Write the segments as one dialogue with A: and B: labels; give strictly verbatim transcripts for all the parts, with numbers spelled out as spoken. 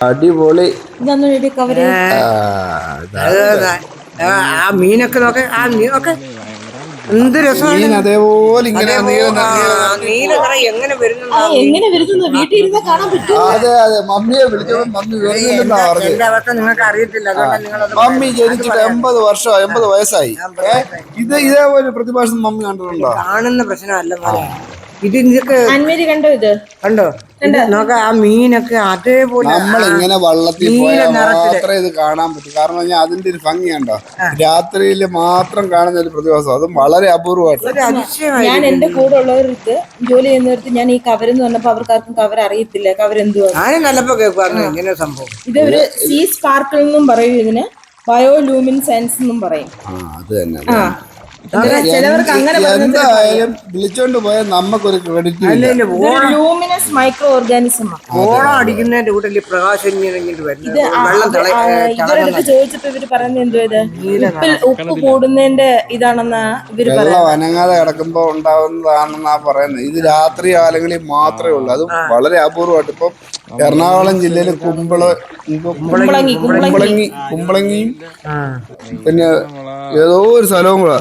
A: അടിപൊളി.
B: ആ മീനൊക്കെ നോക്കെ, ആ മീനൊക്കെ എന്ത് രസമാണ്.
A: അതേപോലെ ഇങ്ങനെ
B: എങ്ങനെ
C: എങ്ങനെ വരുന്നു വീട്ടിൽ ഇരുന്ന് കാണാൻ പറ്റും.
A: അതെ അതെ, മമ്മിയെ വിളിച്ചപ്പോൾ മമ്മി വരുന്നില്ലെന്നാ പറഞ്ഞത്.
B: എന്റെ അവസ്ഥ നിങ്ങൾക്ക് അറിയത്തില്ല, അതുകൊണ്ട് നിങ്ങളത്
A: മമ്മി ജനിച്ചിട്ട് എൺപത് വർഷം എൺപത് വയസ്സായി. ഇത് ഇതേപോലെ പ്രതിഭാസം മമ്മി കണ്ടിട്ടുണ്ടോ?
B: കാണുന്ന പ്രശ്നമല്ല മോനെ ഇത്. ഇതൊക്കെ
C: കണ്ടോ? ഇത്
B: കണ്ടോ? നോക്ക, ആ മീനൊക്കെ അതേപോലെ
A: നമ്മളിങ്ങനെ വള്ളത്തിൽ പോയാൽ മാത്രമേ ഇത് കാണാൻ പറ്റൂ. കാരണം പറഞ്ഞാൽ അതിന്റെ ഒരു ഭംഗി കണ്ടോ, രാത്രിയിൽ മാത്രം കാണുന്ന ഒരു പ്രതിഭാസം, അതും വളരെ അപൂർവമായിട്ട്.
C: ഞാൻ എന്റെ കൂടെ ഉള്ളവർക്ക് ജോലി ചെയ്യുന്നവർക്ക് ഞാൻ ഈ കവരെന്ന് പറഞ്ഞപ്പോ അവർക്കാർക്കും കവർ അറിയത്തില്ല. കവരെന്തുവാ
B: നല്ലപ്പോ കേൾക്കുവായിരുന്നു ഇങ്ങനെ സംഭവം.
C: ഇതൊരു സീ സ്പാർക്കിൾ എന്നും പറയും, ഇതിന് ബയോലൂമിൻസെൻസ് എന്നും പറയും.
A: അത് തന്നെ.
C: ചിലവർക്ക് അങ്ങനെ
A: എന്തായാലും വിളിച്ചോണ്ട് പോയാൽ നമുക്കൊരു ക്രെഡിറ്റ്.
C: Luminous micro organism.
B: ഓണം അടിക്കുന്നതിന്റെ കൂട്ടത്തിൽ പ്രകാശം
C: ഇവരടുത്ത് ചോദിച്ചപ്പോ ഇവര് പറയുന്നത് എന്തോ ഇത് ഉപ്പിൽ ഉപ്പ് കൂടുന്നതിന്റെ ഇതാണെന്നാ ഇവര്
A: വെള്ളം അനങ്ങാതെ കിടക്കുമ്പോ ഉണ്ടാവുന്നതാണെന്നാ പറയുന്നത്. ഇത് രാത്രി കാലങ്ങളിൽ മാത്രമേ ഉള്ളൂ, അതും വളരെ അപൂർവമായിട്ട്. ഇപ്പൊ എറണാകുളം ജില്ലയില് കുമ്പള കുമ്പളങ്ങി കുമ്പളങ്ങിയും പിന്നെ ഏതോ ഒരു സ്ഥലവും കൂടെ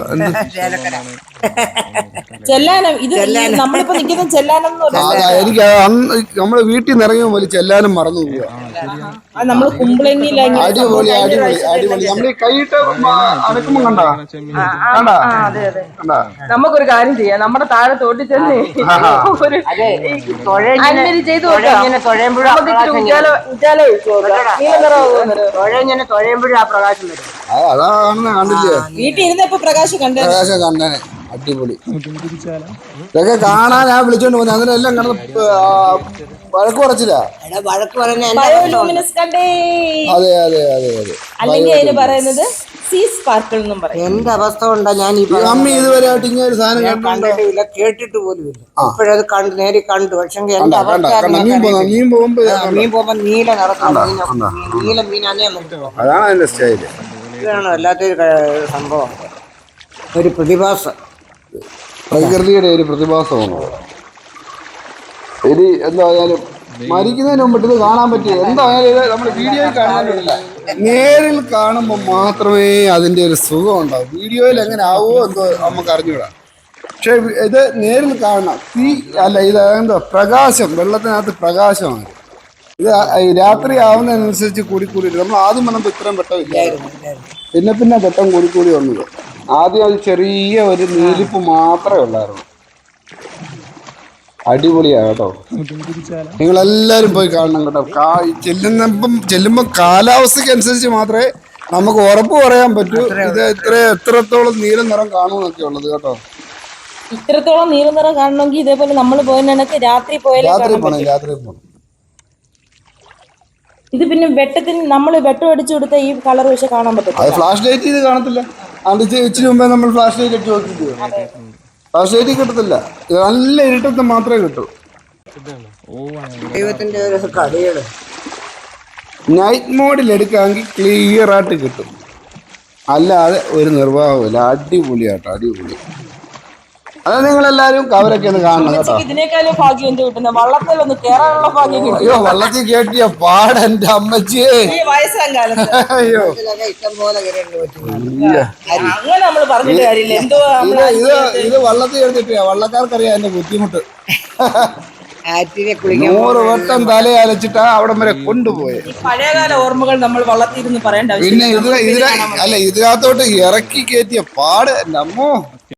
C: ചെല്ലാനം. ഇത് നമ്മളിപ്പോ നിൽക്കുന്ന ചെല്ലാനം.
A: എനിക്ക് നമ്മള് വീട്ടിൽ നിന്ന് ഇറങ്ങിയ പോലെ ചെല്ലാനും മറന്നു പോവുക.
C: നമ്മള് കുമ്പളങ്ങി
A: അടിപൊളി അടിപൊളി അടിപൊളി. നമ്മൾ ഈ കൈയിട്ട് അടക്കുമ്പോ കണ്ടാ കണ്ടാ കണ്ടാ.
C: നമുക്കൊരു കാര്യം ചെയ്യാം, നമ്മുടെ താഴെ തോട്ടിൽ ചെന്ന് ചെയ്തു
A: അതാണ് കണ്ടില്ലേ,
C: വീട്ടിൽ ഇരുന്നപ്പോ പ്രകാശം കണ്ടേ.
A: പ്രകാശം കണ്ടേനെ. അടിപൊളി. ഇതൊക്കെ കാണാൻ ഞാൻ വിളിച്ചോണ്ട് പോകുന്നത്, അതിനെല്ലാം കിടന്ന് വഴക്ക് കുറച്ചില്ല. അതെ അതെ അതെ അതെ.
C: അല്ലെങ്കിൽ അതിന് പറയുന്നത് സീ സ്പാർക്കിൾ എന്നും പറയും.
B: എന്റെ അവസ്ഥ കൊണ്ടാ ഞാൻ ഈ
A: മമ്മി ഇതുവരെ ആയിട്ട് ഇങ്ങനെ ഒരു സാധനം
B: കണ്ടിട്ടില്ല, കേട്ടിട്ട് പോലും ഇല്ല. ഇപ്പോഴത് കണ്ട് നേരി കണ്ടു. പക്ഷെ എന്റെ അവസ്ഥ
A: മീൻ പോകുമ്പോ
B: മീൻ പോകുമ്പോ നീല നിറത്തുള്ള നീല മീനാന്നേ നമുക്ക്.
A: അതാണ് അതിന്റെ സ്റ്റൈല്.
B: ഇതാണ് വല്ലാത്തൊരു സംഭവം, ഒരു പ്രതിഭാസം,
A: പ്രകൃതിയുടെ ഒരു പ്രതിഭാസമാണ്. ഇനി എന്തായാലും മരിക്കുന്നതിന് മുമ്പിട്ട് ഇത് കാണാൻ പറ്റിയ എന്തായാലും ഇത് നമ്മൾ വീഡിയോയിൽ കാണാനില്ല, നേരിൽ കാണുമ്പോൾ മാത്രമേ അതിന്റെ ഒരു സുഖം ഉണ്ടാവും. വീഡിയോയിൽ എങ്ങനെ ആവുമോ എന്തോ നമുക്ക് അറിഞ്ഞൂടാ, പക്ഷെ ഇത് നേരിൽ കാണണം. തീ അല്ല, ഇത് എന്തോ പ്രകാശം, വെള്ളത്തിനകത്ത് പ്രകാശമാണ്. ഇത് രാത്രി ആവുന്നതിനനുസരിച്ച് കൂടിക്കൂടി നമ്മൾ ആദ്യം വന്നപ്പോൾ ഇത്രയും വെട്ടമില്ലായിരുന്നു, പിന്നെ പിന്നെ വെട്ടം കൂടിക്കൂടി വന്നത്. ആദ്യം അത് ചെറിയ ഒരു നീലിപ്പ് മാത്രമേ ഉള്ളായിരുന്നു. അടിപൊളിയാ കേട്ടോ, നിങ്ങളെല്ലാരും പോയി കാണണം കേട്ടോ. ചെല്ലുന്നപ്പം ചെല്ലുമ്പോൾ കാലാവസ്ഥയ്ക്ക് അനുസരിച്ച് മാത്രമേ നമുക്ക് ഉറപ്പ് പറയാൻ പറ്റൂ ഇത് ഇത്ര എത്രത്തോളം നീല നിറം കാണുമെന്നൊക്കെ ഉള്ളത് കേട്ടോ.
C: ഇത്രത്തോളം നീല നിറം കാണണമെങ്കിൽ ഇതേപോലെ നമ്മൾ പോയതിനൊക്കെ രാത്രി പോയാലും
A: രാത്രി പോകണം രാത്രി പോകണം.
C: ഇത് പിന്നെ വെട്ടത്തിന് നമ്മൾ വെട്ടം അടിച്ചു കൊടുത്ത ഈ കളർ പക്ഷെ കാണാൻ പറ്റും.
A: അത് ഫ്ലാഷ് ലൈറ്റ് ഇത് കാണത്തില്ല. അത് ഇച്ചിരി മുമ്പേ നമ്മൾ ഫ്ലാഷ് ലൈറ്റ് അടിച്ച് നോക്കിയിട്ട് ഫ്ലാഷ് ലൈറ്റ് കിട്ടത്തില്ല, നല്ല ഇരുട്ടത്ത് മാത്രമേ കിട്ടൂ.
B: ദൈവത്തിന്റെ ഒരു കളികള്
A: നൈറ്റ് മോഡിൽ എടുക്കാമെങ്കിൽ ക്ലിയർ ആയിട്ട് കിട്ടും, അല്ലാതെ ഒരു നിർവാഹമില്ല. അടിപൊളിയാട്ടോ, അടിപൊളി. അത് നിങ്ങളെല്ലാരും കവരൊക്കെ ഒന്ന് കാണണം കേട്ടോ.
C: ഇതിനേക്കാളും ഭാഗ്യം എന്ത് കിട്ടുന്നത്, വള്ളത്തിലൊന്ന് കേറാനുള്ള ഭാഗ്യം.
A: അയ്യോ, വള്ളത്തിൽ കേട്ടിയ പാടെന്റെ അമ്മച്ചിയെ. അയ്യോ,
B: ഇഷ്ടം പോലെ
C: അങ്ങനെ നമ്മൾ പറഞ്ഞിട്ട് കാര്യമില്ല. എന്തോ
A: ഇത് ഇത് വള്ളത്തിൽ കേട്ടിട്ടില്ല, വള്ളക്കാർക്കറിയാം അതിന്റെ ബുദ്ധിമുട്ട്. നൂറ് വട്ടം തലയലച്ചിട്ടാ അവിടം വരെ കൊണ്ടുപോയത്.
C: പഴയകാല ഓർമ്മകൾ നമ്മൾ വള്ളത്തിരുന്ന് പറയേണ്ട.
A: പിന്നെ ഇതിന് ഇതിന് അല്ല ഇതിനകത്തോട്ട് ഇറക്കി കയറ്റിയ പാട് എന്റെ അമ്മോ.